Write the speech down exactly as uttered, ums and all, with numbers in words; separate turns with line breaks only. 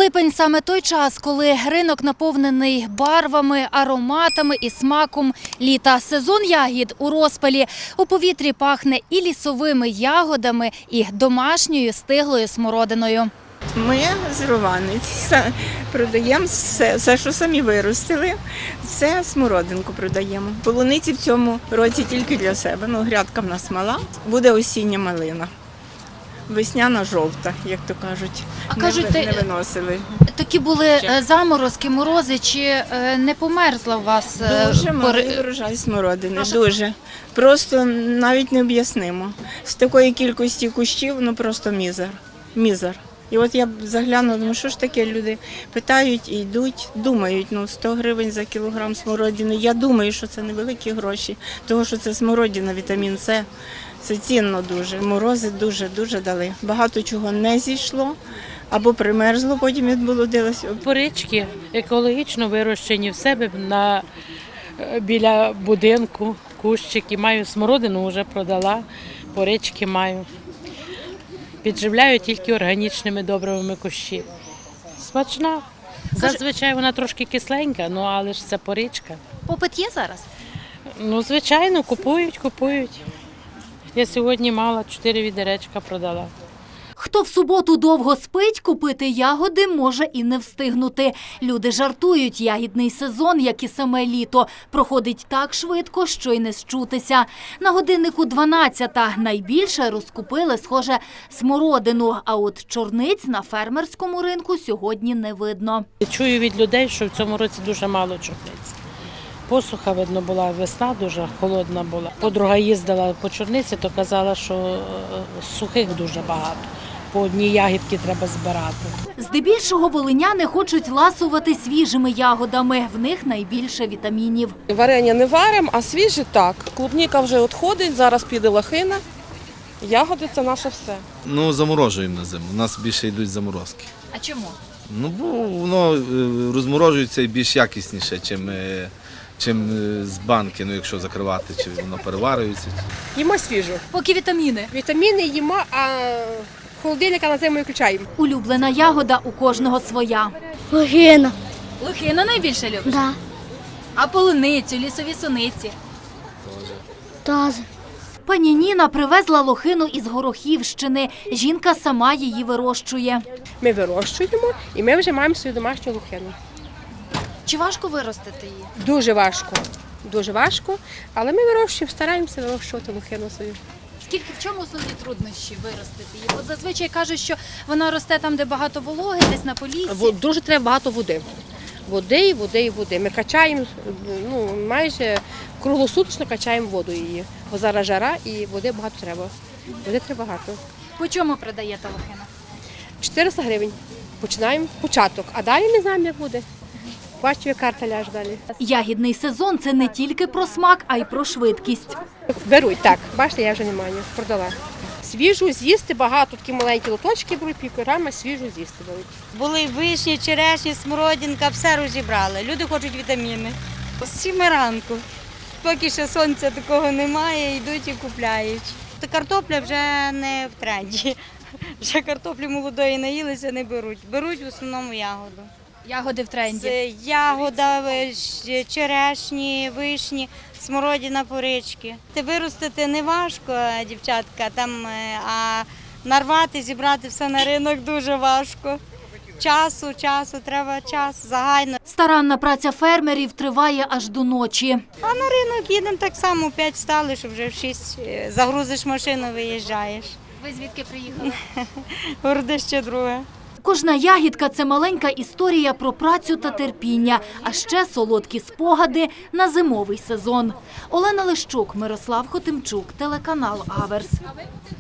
Липень – саме той час, коли ринок наповнений барвами, ароматами і смаком літа. Сезон ягід у розпалі. У повітрі пахне і лісовими ягодами, і домашньою стиглою смородиною.
Ми з Рованиць продаємо все, все, що самі виростили, це смородинку продаємо. Полуниці в цьому році тільки для себе, ну грядка в нас мала, буде осіння малина. Весняна жовта, як то кажуть,
А
не,
кажуть,
не виносили.
Такі були е, заморозки, морози, чи е, не померзла у вас? е,
Дуже малий
пори-
врожай смородини, дуже. Просто навіть не об'яснимо. З такої кількості кущів, ну просто мізер, мізер. І от я заглянула, думаю, що ж таке, люди питають і йдуть, думають, ну сто гривень за кілограм смородини. Я думаю, що це невеликі гроші, тому що це смородина, вітамін С. Це цінно дуже. Морози дуже-дуже дали. Багато чого не зійшло або примерзло, потім відболодилося.
Порички екологічно вирощені в себе на, біля будинку, кущики. Маю смородину, вже продала, порички маю. Підживляю тільки органічними добривими кущі. Смачна. Зазвичай вона трошки кисленька, ну але ж це поричка.
Попит є зараз?
Ну, звичайно, купують, купують. Я сьогодні мала чотири відеречка продала.
Хто в суботу довго спить, купити ягоди може і не встигнути. Люди жартують, ягідний сезон, як і саме літо, проходить так швидко, що й не счутися. На годиннику дванадцята. Найбільше розкупили, схоже, смородину, а от чорниць на фермерському ринку сьогодні не видно.
Чую від людей, що в цьому році дуже мало чорниць. Посуха, видно, була, весна дуже холодна була. Подруга їздила по чорниці, то казала, що е, сухих дуже багато. По одній ягідці треба збирати.
Здебільшого волиняни хочуть ласувати свіжими ягодами. В них найбільше вітамінів.
Варення не варимо, а свіжі так. Клубніка вже відходить, зараз піде лохина. Ягоди – це наше все.
Ну, заморожуємо на зиму. У нас більше йдуть заморозки.
А чому?
Ну, бо воно е, розморожується і більш якісніше, чим, е, чим е, з банки, ну, якщо закривати, чи воно переварюється.
Їмо свіжу.
Поки вітаміни.
Вітаміни їмо, а холодильника на зиму включаємо.
Улюблена ягода у кожного своя.
Лохина.
Лохину найбільше любиш?
Да.
А полуницю, лісові суниці?
Тоже.
Пані Ніна привезла лохину із Горохівщини. Жінка сама її вирощує.
Ми вирощуємо і ми вже маємо свою домашню лохину.
Чи важко виростити її?
Дуже важко, дуже важко, але ми вирощуємо, стараємося вирощувати лохину свою.
Скільки, в чому основні труднощі виростити її? Бо зазвичай кажуть, що вона росте там, де багато вологи, десь на поліссі.
Во- Дуже треба багато води. Води, і води, і води. Ми качаємо, ну, майже круглосуточно качаємо воду її. Бо зараз жара і води багато треба. Води треба багато.
По чому продаєте лохину?
чотириста гривень. Починаємо початок, а далі не знаємо, як буде. Бачу, як карта ляже далі.
Ягідний сезон – це не тільки про смак, а й про швидкість.
Беруть, так. Бачите, я вже не маю, продала. Свіжу з'їсти багато, такі маленькі лоточки беруть, півкілограма, свіжу з'їсти беруть.
Були вишні, черешні, смородинка, все розібрали. Люди хочуть вітаміни. З сіми ранку. Поки ще сонця такого немає, йдуть і купляють. Та картопля вже не в тренді. Вже картоплі молодої наїлися, не беруть. Беруть в основному ягоду.
Ягоди в тренді.
Це ягода, виш- черешні, вишні, смородина, порички. Те виростити не важко, дівчатка, там, е, а нарвати, зібрати все на ринок дуже важко. Часу, часу, треба час, загально.
Старанна праця фермерів триває аж до ночі.
А на ринок їдемо так само, в п'ять встали, що вже в шість е, загрузиш машину, виїжджаєш.
Ви звідки приїхали?
Городище друге.
Кожна ягідка – це маленька історія про працю та терпіння, а ще солодкі спогади на зимовий сезон. Олена Лищук, Мирослав Хотимчук, телеканал Аверс.